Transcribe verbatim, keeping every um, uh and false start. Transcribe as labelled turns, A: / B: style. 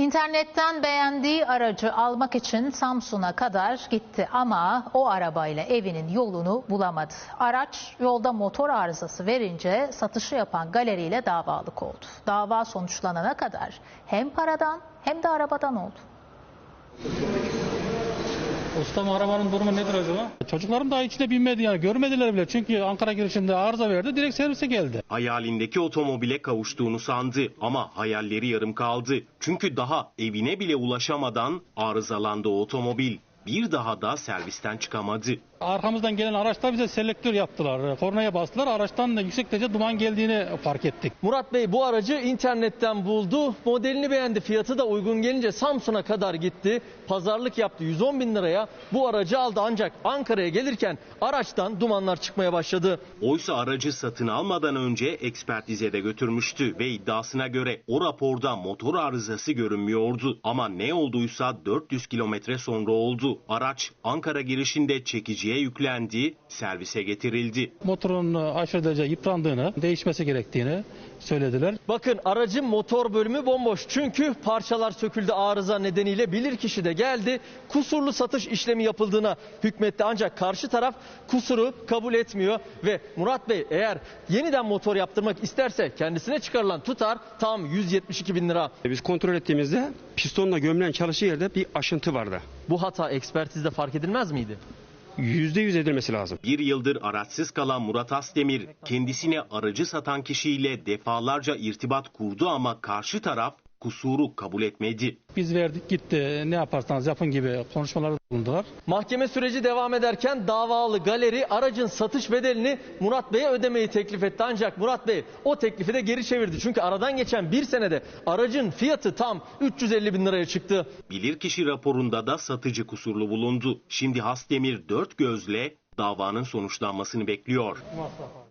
A: İnternetten beğendiği aracı almak için Samsun'a kadar gitti ama o arabayla evinin yolunu bulamadı. Araç yolda motor arızası verince satışı yapan galeriyle davalık oldu. Dava sonuçlanana kadar hem paradan hem de arabadan oldu.
B: Ustam, arabanın durumu nedir acaba? Çocuklarım daha içine binmedi, yani görmediler bile, çünkü Ankara girişinde arıza verdi, direkt servise geldi.
C: Hayalindeki otomobile kavuştuğunu sandı ama hayalleri yarım kaldı. Çünkü daha evine bile ulaşamadan arızalandı o otomobil. Bir daha da servisten çıkamadı.
B: Arkamızdan gelen araçlar bize selektör yaptılar. Kornaya bastılar. Araçtan da yüksek derece duman geldiğini fark ettik.
D: Murat Bey bu aracı internetten buldu. Modelini beğendi. Fiyatı da uygun gelince Samsun'a kadar gitti. Pazarlık yaptı. yüz on bin liraya bu aracı aldı. Ancak Ankara'ya gelirken araçtan dumanlar çıkmaya başladı.
C: Oysa aracı satın almadan önce ekspertize de götürmüştü ve iddiasına göre o raporda motor arızası görünmüyordu. Ama ne olduysa dört yüz kilometre sonra oldu. Araç Ankara girişinde çekiciye yüklendi, servise getirildi.
B: Motorun aşırı derece yıprandığını, değişmesi gerektiğini söylediler.
D: Bakın, aracın motor bölümü bomboş. Çünkü parçalar söküldü arıza nedeniyle. Bilirkişi de geldi. Kusurlu satış işlemi yapıldığına hükmetti. Ancak karşı taraf kusuru kabul etmiyor. Ve Murat Bey eğer yeniden motor yaptırmak isterse kendisine çıkarılan tutar tam yüz yetmiş iki bin lira.
E: Biz kontrol ettiğimizde pistonla gömülen çalışı yerde bir aşıntı vardı.
D: Bu hata ekspertizde fark edilmez miydi?
E: yüzde yüz edilmesi lazım.
C: Bir yıldır araçsız kalan Murat Asdemir kendisine aracı satan kişiyle defalarca irtibat kurdu ama karşı taraf kusuru kabul etmedi.
B: Biz verdik gitti, ne yaparsanız yapın gibi konuşmalarda bulundular.
D: Mahkeme süreci devam ederken davalı galeri aracın satış bedelini Murat Bey'e ödemeyi teklif etti. Ancak Murat Bey o teklifi de geri çevirdi. Çünkü aradan geçen bir senede aracın fiyatı tam üç yüz elli bin liraya çıktı.
C: Bilirkişi raporunda da satıcı kusurlu bulundu. Şimdi Asdemir dört gözle davanın sonuçlanmasını bekliyor.